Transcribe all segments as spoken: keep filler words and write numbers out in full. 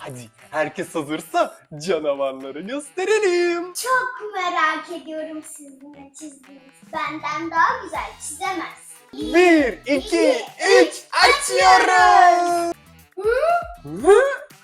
Hadi herkes hazırsa canavarları gösterelim. Çok merak ediyorum sizin ne çizdiğiniz. Benden daha güzel çizemez. Bir, iki, üç, açıyoruz. Hı? Hı?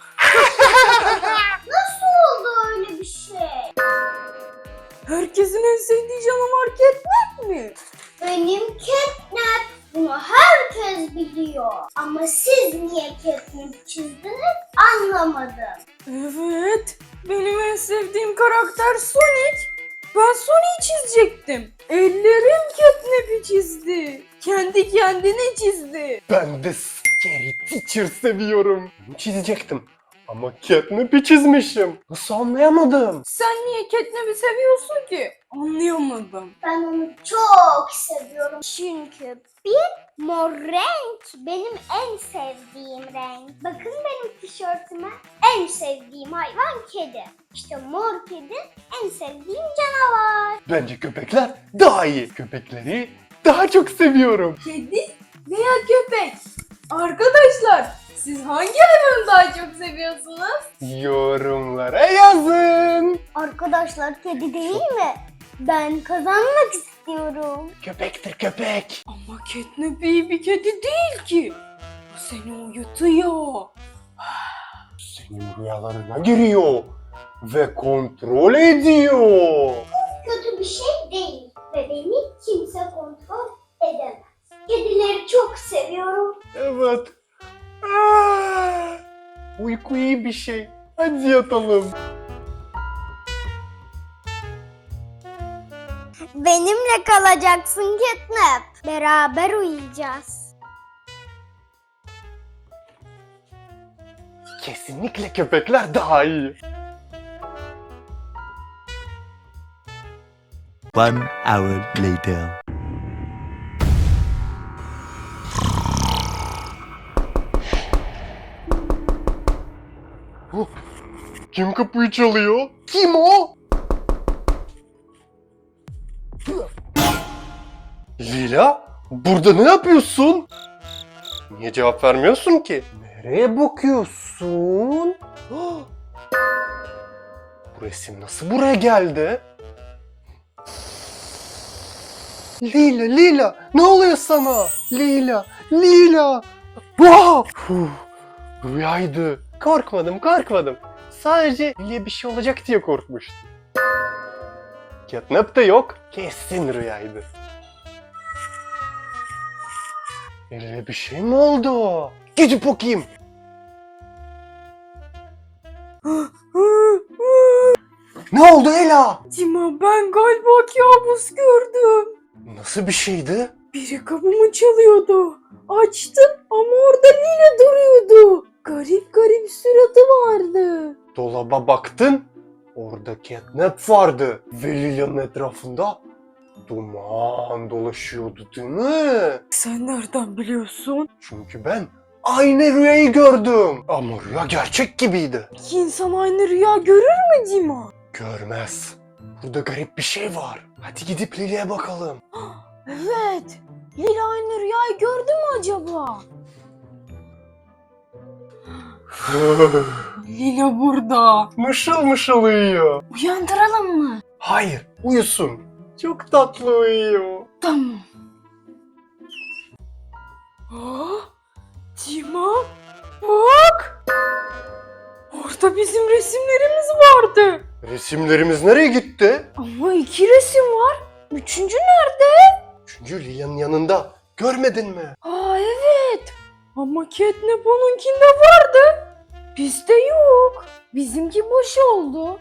Nasıl oldu öyle bir şey? Herkesin en sevdiği canavar Catnap mi? Benim Catnap. Bunu herkes biliyor. Ama siz niye Catnap çizdiniz anlamadım. Evet, benim en sevdiğim karakter Sonic. Ben Sonic'i çizecektim. Ellerim Catnap'i çizdi. Kendi kendine çizdi. Ben de Scary Teacher seviyorum. Bunu çizecektim. Ama Catnap'i çizmişim. Nasıl anlayamadım? Sen niye Catnap'i seviyorsun ki? Anlayamadım. Ben onu çok seviyorum. Çünkü bir mor renk benim en sevdiğim renk. Bakın benim tişörtüme. En sevdiğim hayvan kedi. İşte mor kedi en sevdiğim canavar. Bence köpekler daha iyi. Köpekleri daha çok seviyorum. Kedi veya köpek? Arkadaşlar, siz hangi hayvanı daha çok seviyorsunuz? Yorumlara yazın. Arkadaşlar kedi değil mi? Ben kazanmak istiyorum. Köpektir köpek. Ama Catnap iyi bir kedi değil ki. O seni uyutuyor. Senin rüyalarına giriyor ve kontrol ediyor. Kötü bir şey değil ve beni kimse kontrol edemez. Kedileri çok seviyorum. Evet. Aa, uyku iyi bir şey. Hadi yatalım. Benimle kalacaksın Catnap. Beraber uyuyacağız. Kesinlikle köpekler daha iyi. One hour later. Huh, kim kapıyı çalıyor? Kim o? Lila, burada ne yapıyorsun? Niye cevap vermiyorsun ki? Nereye bakıyorsun? Oh! Bu resim nasıl buraya geldi? Lila, Lila, ne oluyor sana? Lila, Lila. Wow! Huh, rüyaydı. Korkmadım, korkmadım. Sadece Lila'ya bir şey olacak diye korkmuştum. Catnap da yok. Kesin rüyaydı. Lila'ya bir şey mi oldu? Gidip bakayım. Ne oldu Ela? Dima, ben galiba kabus gördüm. Nasıl bir şeydi? Biri kapımı çalıyordu. Açtım ama orada Lila duruyordu. Garip garip suratı vardı. Dolaba baktın. Orada Catnap vardı. Ve Lila'nın etrafında duman dolaşıyordu değil mi? Sen nereden biliyorsun? Çünkü ben aynı rüyayı gördüm. Ama rüya gerçek gibiydi. İki insan aynı rüya görür mü Dima? Görmez. Burada garip bir şey var. Hadi gidip Lili'ye bakalım. Evet. Lila aynı rüyayı gördü mü acaba? Lila burada. Mışıl mışıl uyuyor. Uyandıralım mı? Hayır, uyusun. Çok tatlı uyuyor. Tamam. Aa, Dima, bak. Orada bizim resimlerimiz vardı. Resimlerimiz nereye gitti? Ama iki resim var. Üçüncü nerede? Çünkü Lilia'nın yanında. Görmedin mi? Aa evet. Ama Catnap onunkinde vardı. Bizde yok. Bizimki boş oldu.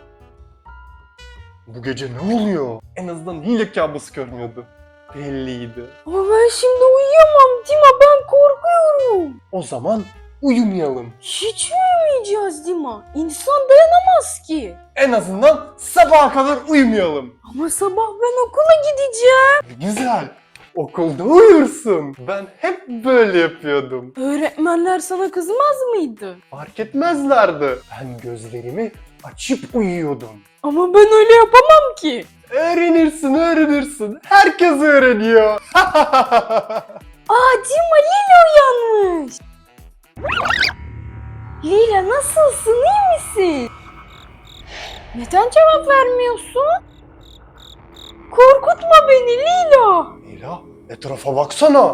Bu gece ne oluyor? En azından Lila kabus görmüyordu. Belliydi. Ama ben şimdi uyuyamam Dima, ben korkuyorum. O zaman uyumayalım. Hiç uyumayacağız Dima. İnsan dayanamaz ki. En azından sabaha kadar uyumayalım. Ama sabah ben okula gideceğim. Güzel. Okulda uyursun. Ben hep böyle yapıyordum. Öğretmenler sana kızmaz mıydı? Fark etmezlerdi. Ben gözlerimi açıp uyuyordum. Ama ben öyle yapamam ki. Öğrenirsin, öğrenirsin. Herkes öğreniyor. Aa Dima, Lili uyanmış. Lila nasılsın, iyi misin? Neden cevap vermiyorsun? Korkutma beni Lila. Lila, etrafa baksana.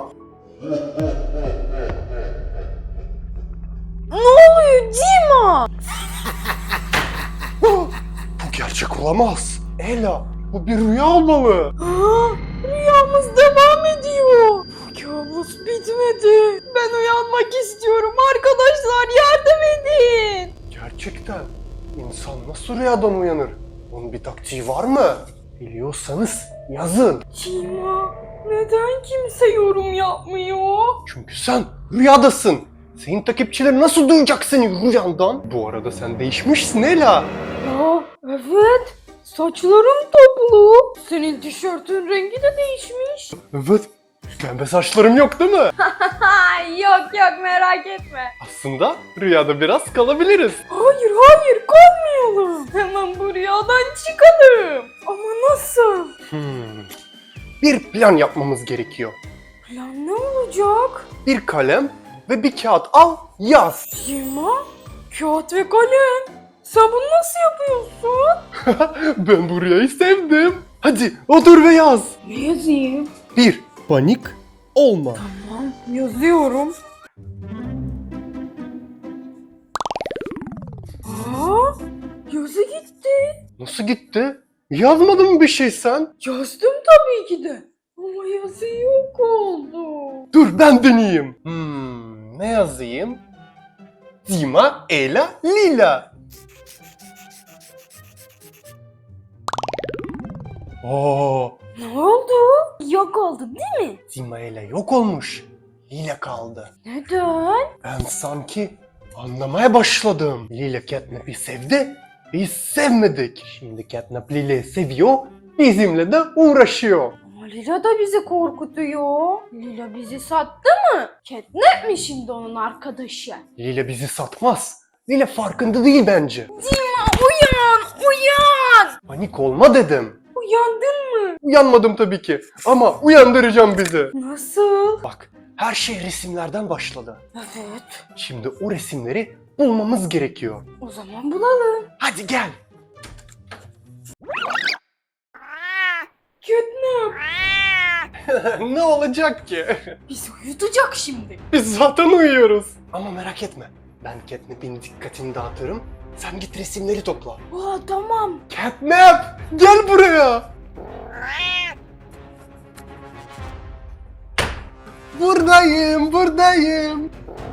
Ne oluyor Dima? Bu gerçek olamaz. Ela, bu bir rüya olmalı. Aa, rüyamız devam ediyor. Bu kabus bitmedi. Ben uyanmak istiyorum. Arkadaşlar yardım edin. Gerçekten insan nasıl rüyadan uyanır? Onun bir taktiği var mı? Biliyorsanız yazın. Dima, neden kimse yorum yapmıyor? Çünkü sen rüyadasın. Senin takipçileri nasıl duyacak seni rüyandan? Bu arada sen değişmişsin Ela. Aa, evet. Saçlarım toplu. Senin tişörtün rengi de değişmiş. Evet. Pembe saçlarım yok değil mi? yok yok merak etme. Aslında rüyada biraz kalabiliriz. Hayır hayır kalmayalım. Hemen bu rüyadan çıkalım. Ama nasıl? Hmm. Bir plan yapmamız gerekiyor. Plan ne olacak? Bir kalem ve bir kağıt al, yaz. Dima, kağıt ve kalem. Sen bunu nasıl yapıyorsun? Ben bu rüyayı sevdim. Hadi otur ve yaz. Ne yazayım? Bir, panik olma. Tamam yazıyorum. Aa, yazı gitti. Nasıl gitti? Yazmadın mı bir şey sen? Yazdım tabii ki de. Ama yazı yok oldu. Dur ben deneyeyim. Hmm, ne yazayım? Dima, Ela, Lila. Oo, Ne oldu? Yok oldu değil mi? Dima Ela yok olmuş. Lila kaldı. Neden? Ben sanki anlamaya başladım. Lila Catnap'i sevdi, biz sevmedik. Şimdi Catnap Lila'yı seviyor, bizimle de uğraşıyor. Ama Lila da bizi korkutuyor. Lila bizi sattı mı? Catnap mi şimdi onun arkadaşı? Lila bizi satmaz. Lila farkında değil bence. Dima uyan uyan. Panik olma dedim. Uyandın mı? Uyanmadım tabii ki ama uyandıracağım bizi. Nasıl? Bak, her şey resimlerden başladı. Evet. Şimdi o resimleri bulmamız gerekiyor. O zaman bulalım. Hadi gel. Catnap Ne olacak ki? bizi uyutacak şimdi. Biz zaten uyuyoruz. Ama merak etme. Ben Catnap'in dikkatini dağıtırım. Sen git resimleri topla. Aa tamam. Catnap! Gel buraya! Buradayım, buradayım.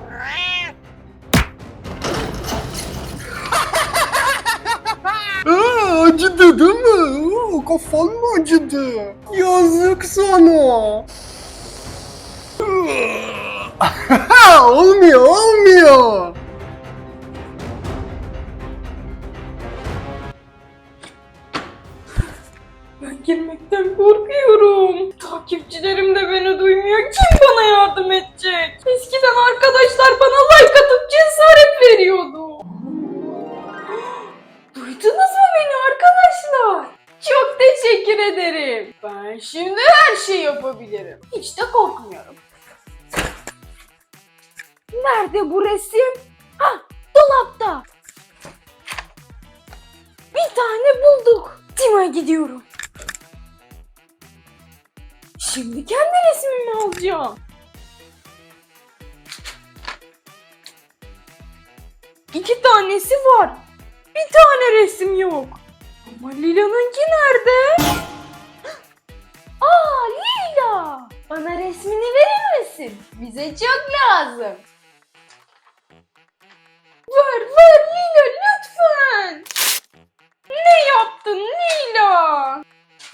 Aa, acıdı değil mi? Aa, kafan mı acıdı? Yazık sana. olmuyor, olmuyor. Ben girmekten korkuyorum. Takipçilerim de beni duymuyor. Kim bana yardım edecek? Eskiden arkadaşlar bana like atıp cesaret veriyordu. Duydunuz mu beni arkadaşlar? Çok teşekkür ederim. Ben şimdi her şeyi yapabilirim. Hiç de korkmuyorum. Nerede bu resim? Hah, dolapta. Bir tane bulduk. Dima'ya gidiyorum. Şimdi kendi resmimi alacağım. İki tanesi var. Bir tane resim yok. Ama Lila'nınki nerede? Aa Lila! Bana resmini verir misin? Bize çok lazım. Ver ver Lila lütfen. Ne yaptın Lila?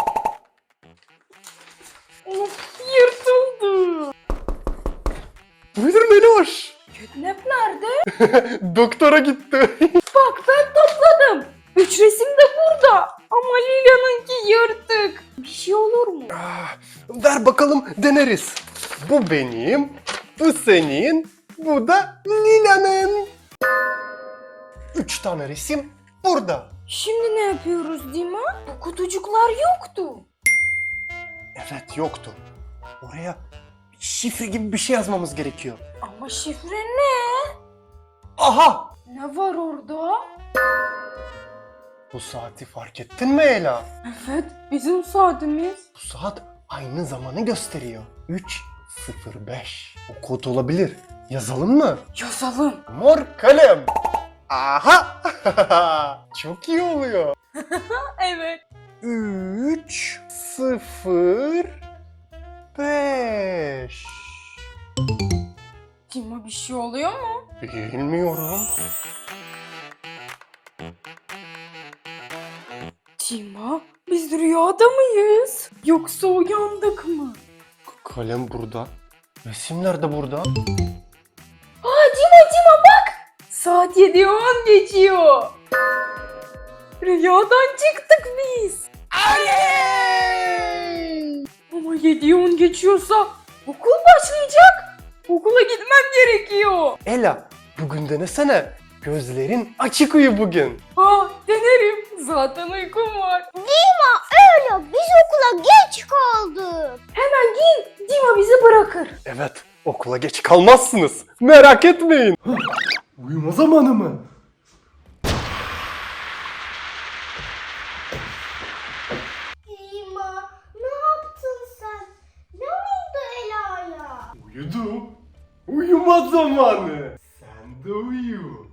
Of yırtıldı. Buyur Meloş. Catnap nerede? Doktora gitti. Bak ben topladım. Üç resim de burada. Ama Lila'nınki yırtık. Bir şey olur mu? Ah, ver bakalım deneriz. Bu benim, bu senin, bu da Lila'nın. Üç tane resim burada. Şimdi ne yapıyoruz Dima? Bu kutucuklar yoktu. Evet yoktu. Oraya şifre gibi bir şey yazmamız gerekiyor. Ama şifre ne? Aha! Ne var orada? Bu saati fark ettin mi Ela? Evet, bizim saatimiz. Bu saat aynı zamanı gösteriyor. üç sıfır beş. O kod olabilir. Yazalım mı? Yazalım. Mor kalem. Aha! Çok iyi oluyor. Evet. üç sıfır beş. Dima bir şey oluyor mu? Bilmiyorum. Dima, biz rüyada mıyız? Yoksa uyandık mı? Kalem burada. Resimler de burada. Aa Dima Dima bak! Saat yedi on geçiyor. Rüyadan çıktık biz. Aley! Ama yedi on geçiyorsa okul başlayacak. Okula gitmem gerekiyor. Ela, bugün denesene. Gözlerin açık uyu bugün. Ha denerim. Zaten uykum var. Dima öyle biz okula geç kaldık. Hemen giyin. Dima bizi bırakır. Evet, okula geç kalmazsınız. Merak etmeyin. Uyuma zamanı mı? Dima ne yaptın sen? Ne oldu Ela'ya? Uyudu. Uyuma zamanı. Sen de uyu.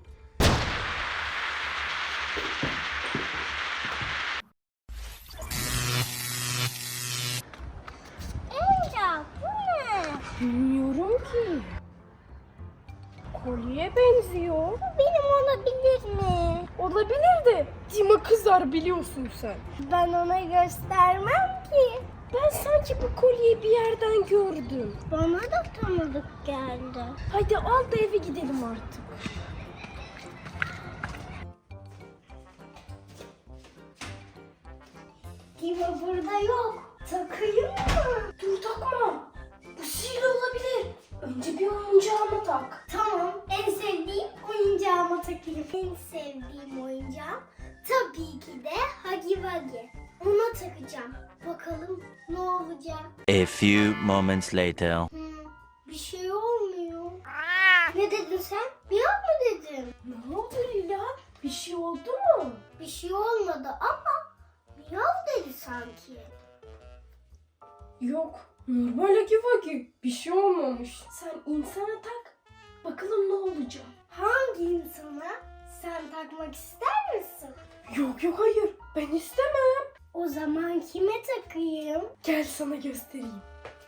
Ela bu ne? Bilmiyorum ki. Kolye benziyor. Benim olabilir mi? Olabilir de Dima kızar biliyorsun sen. Ben ona göstermem ki. Ben sanki bu kolyeyi bir yerden gördüm. Bana da tanıdık geldi. Hadi al da eve gidelim artık. Dima burada yok. Takayım mı? Dur takma. Bu sihirli olabilir. Önce bir oyuncağıma tak. Tamam. En sevdiğim oyuncağıma takayım. En sevdiğim oyuncağım tabii ki de Huggy Wuggy. Ona takacağım. Bakalım ne olacak. A few moments later. Hmm, bir şey olmuyor. Ne dedin sen? Miyav mı dedin? Ne oldu Lila? Bir şey oldu mu? Bir şey olmadı ama miyav dedi sanki. Yok. Normal Huggy Wuggy. Bir şey olmamış. Sen insana tak. Bakalım ne olacak. Hangi insana? Sen takmak ister misin? Yok yok hayır. Ben istemem. O zaman kime takayım? Gel sana göstereyim.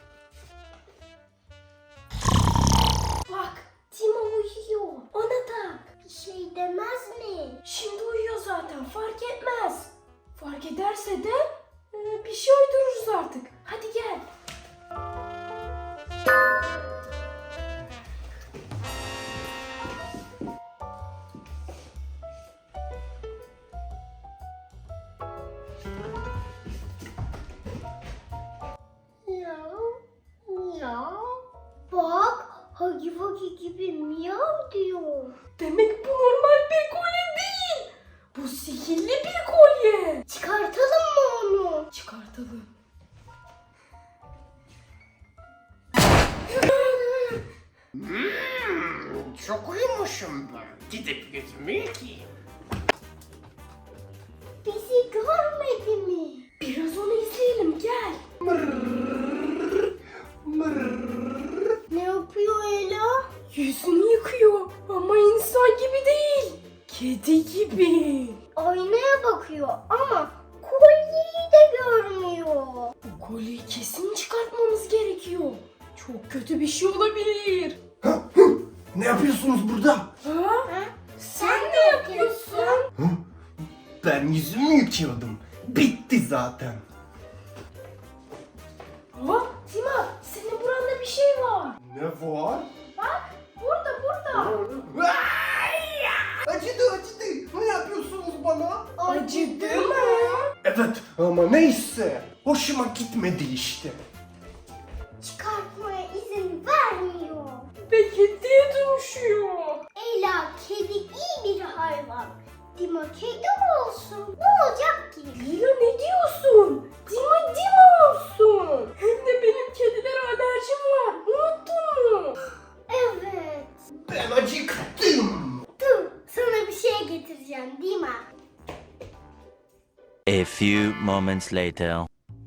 Bak Dima uyuyor. Ona tak. Bir şey demez mi? Şimdi uyuyor zaten fark etmez. Fark ederse de e, bir şey uydururuz artık. Hadi gel. Miyav, miyav. Bak, Huggy Wuggy gibi miyav diyor. Demek bu normal bir kolye değil. Bu sihirli bir kolye. Çıkartalım mı onu? Çıkartalım. Çok uyumuşum ben. Gidip gözümü yıkayayım. Bizi görmedi mi? Biraz onu izleyelim gel. Ne yapıyor Ela? Yüzünü yıkıyor ama insan gibi değil. Kedi gibi. Aynaya bakıyor ama kolyeyi de görmüyor. Bu kolyeyi kesin çıkartmamız gerekiyor. Çok kötü bir şey olabilir. Ne yapıyorsunuz burada? Ha? Ha? Sen ne yapıyorsun? Ben yüzümü yıkıyordum. Bitti zaten. Ha? Tima senin buranda bir şey var. Ne var? Burada burada. Acıdı acıdı. Ne yapıyorsunuz bana? Acıdı mı? Evet ama neyse. Hoşuma gitmedi işte. Çıkartmaya izin vermiyor. Ve kediye dönüşüyor. Ela kedi iyi bir hayvan. Dima kedi olsun. Ne olacak ki? Lila ne diyorsun? Dima Dima olsun. Hem de benim kedilere alerjim var. Unuttun mu? Evet. Ben acıktım. Dur sana getireceğim değil mi? A few moments later.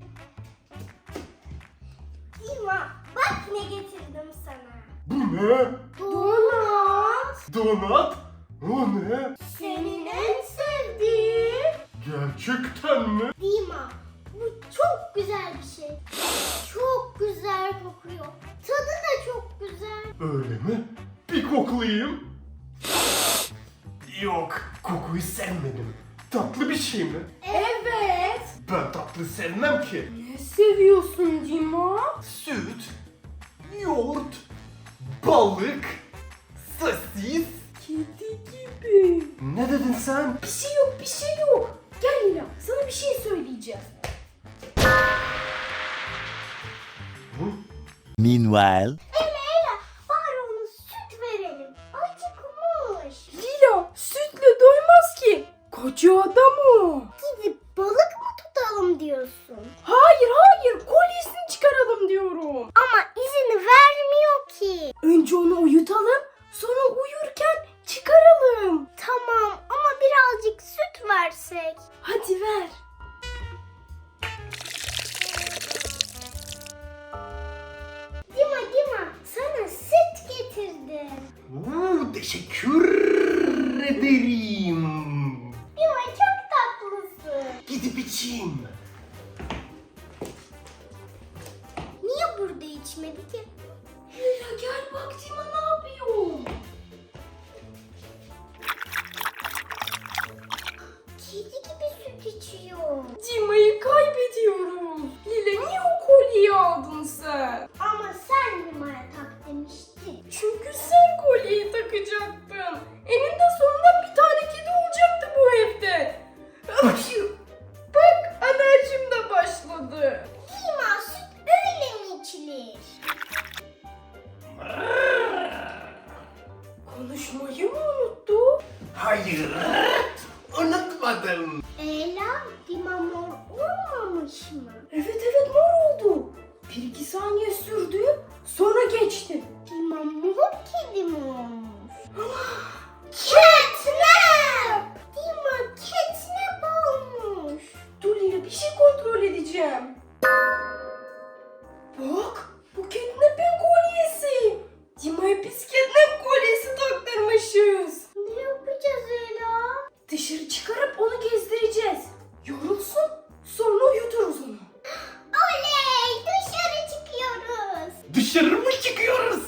Dima, bak ne getirdim sana. Bu ne? Donut. Donat? O ne? Senin en sevdiğin. Gerçekten mi? Dima, bu çok güzel bir şey. Çok güzel kokuyor. Tadı da çok güzel. Öyle mi? Bir koklayayım. Yok, kokuyu sevmedim. Tatlı bir şey mi? Evet. Ben tatlı sevmem ki. Ne seviyorsun Dima? Süt, yoğurt, balık, sosis. Kedi gibi. Ne dedin sen? Bir şey yok, bir şey yok. Gel Lila, sana bir şey söyleyeceğim. Hı? Meanwhile. Ela Ela, bari ona süt verelim. Acıkmış. Lila, sütle doymaz ki. Koca adam o. Gidip balık mı tutalım diyorsun? Hayır, hayır, kolyesini çıkaralım diyorum. Ama izini vermiyor ki. Önce onu uyutalım, sonra uyurken çıkaralım. Tamam ama birazcık süt versek. Hadi ver. Dima Dima, sana süt getirdim. Oo, teşekkür ederim. Dima çok tatlısın. Gidip içeyim. Niye burada içmedi ki? Lila gel bak Dima ne yapıyor? Kedi gibi süt içiyor. Dima'yı kaybediyoruz. Lila niye o kolyeyi aldın sen? Ama sen Dima'ya tak demiştin. Çünkü sen kolyeyi takacaktın. Eninde sonunda bir tane kedi olacaktı bu evde. Ay, bak alerjim de başladı. Dima, süt öyle mi içilir? Konuşmayı mı unuttu? Hayır, unutmadım. Ela, Dima mor olmamış mı? Evet evet mor oldu. Bir iki saniye sürdü sonra geçti. Dima mor kedi mi olmuş? Catnap! Dima catnap olmuş. Dur Lila bir şey kontrol edeceğim. Bak bu catnap'in kolyesi. Dima'ya biz catnap kolyesi taktırmışız. Ne yapacağız Ela? Dışarı çıkarıp onu gezdireceğiz. Yorulsun sonra uyuturuz onu. Oley! Dışarı çıkıyoruz. Dışarı mı çıkıyoruz?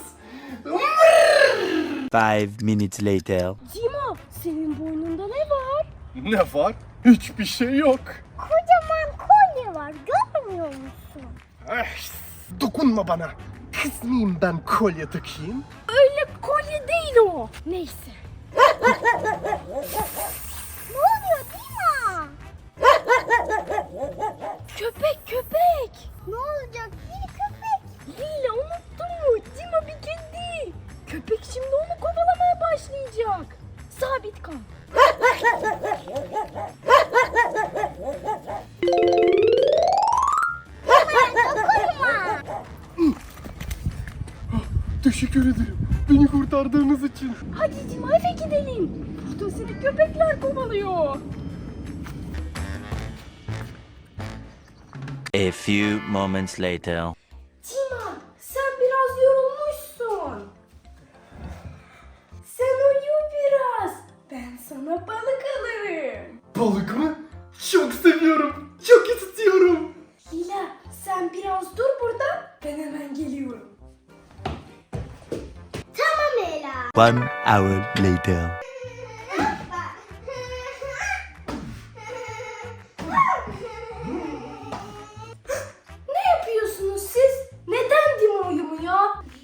Five minutes later. Dima senin boynunda ne var? Ne var? Hiçbir şey yok. Kocaman kolye var, görmüyor musun? Ay, dokunma bana. Kız mıyım ben kolye takayım? Öyle kolye değil o. Neyse. Ne oluyor Dima? Köpek köpek. Ne olacak bir köpek? Lila unuttun mu? Dima bir kedi. Köpek şimdi onu kovalamaya başlayacak. Sabit kal. Dokunma. Teşekkür ederim. Beni kurtardığınız için. Hadi Dima eve gidelim. Burada seni köpekler kovalıyor. A few moments later. Dima sen biraz yorulmuşsun. Sen uyu biraz. Ben sana balık alırım. Balık mı? Çok seviyorum. Çok istiyorum. Lila sen biraz dur burada. Ben hemen geliyorum. Tamam Ela. One hour later. Ne yapıyorsunuz siz? Neden Dima uyumuyor?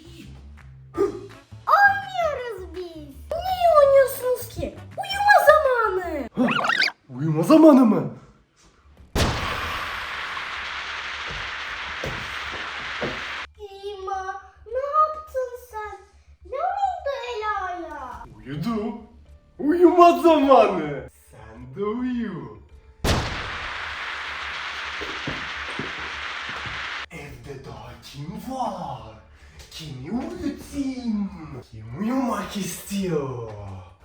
Oynuyoruz biz. Niye oynuyorsunuz ki? Uyuma zamanı. Uyuma zamanı mı? Dima, ne yaptın sen? Ne oldu Ela'ya? Uyudu. Uyuma zamanı. Sen de uyu. Evde daha kim var? Kimi uyutayım? Kim uyumak istiyor?